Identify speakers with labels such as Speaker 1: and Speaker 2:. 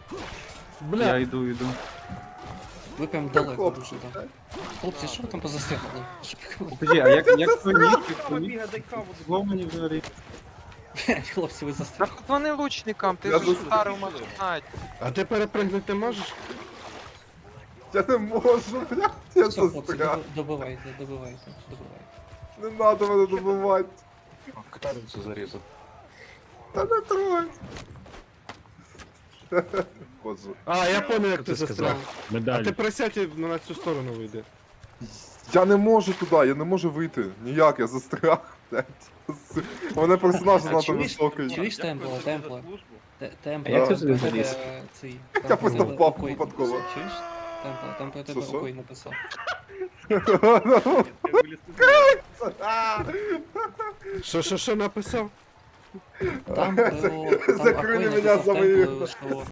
Speaker 1: Бля.
Speaker 2: Я йду.
Speaker 3: Ви прям далеко
Speaker 4: Хлопці,
Speaker 3: дуже, так. Хлопці, що ви там позастрягли?
Speaker 2: Подожди, а як твій ніг?
Speaker 1: Кава бігає, дай каву.
Speaker 2: Зломані взагалі.
Speaker 3: Хлопці, ви
Speaker 5: Та
Speaker 3: застрягли.
Speaker 5: вони лучникам, ти
Speaker 4: Я
Speaker 5: ж
Speaker 4: тут-
Speaker 5: старий знать.
Speaker 1: А ти перепригнути можеш?
Speaker 4: Я не можу, блядь, я
Speaker 3: Все, хлопці,
Speaker 4: застряг.
Speaker 3: добивайте.
Speaker 4: Не надо мене добивати.
Speaker 6: Катарицю зарізав.
Speaker 4: Та не трой. Боже.
Speaker 1: А, я понял, як ти
Speaker 6: Ти сказав.
Speaker 1: застряг. А
Speaker 7: Медаль.
Speaker 1: ти присядь і на цю сторону вийди.
Speaker 4: Я не можу туди, я не можу вийти. Ніяк, я застряг, блядь. У мене персонаж занадто
Speaker 3: чуєш?
Speaker 4: високий.
Speaker 3: Чуєш темпла?
Speaker 2: А як ти
Speaker 3: Темпла,
Speaker 2: сюди заліз?
Speaker 3: цей.
Speaker 4: Я просто впав випадково.
Speaker 3: Чуєш? Там про тебе
Speaker 4: Що?
Speaker 3: окой написав.
Speaker 1: Що написав?
Speaker 3: Там про...
Speaker 4: Закрили
Speaker 3: Акой
Speaker 4: мене
Speaker 3: написав
Speaker 4: за мої-
Speaker 3: темплу, що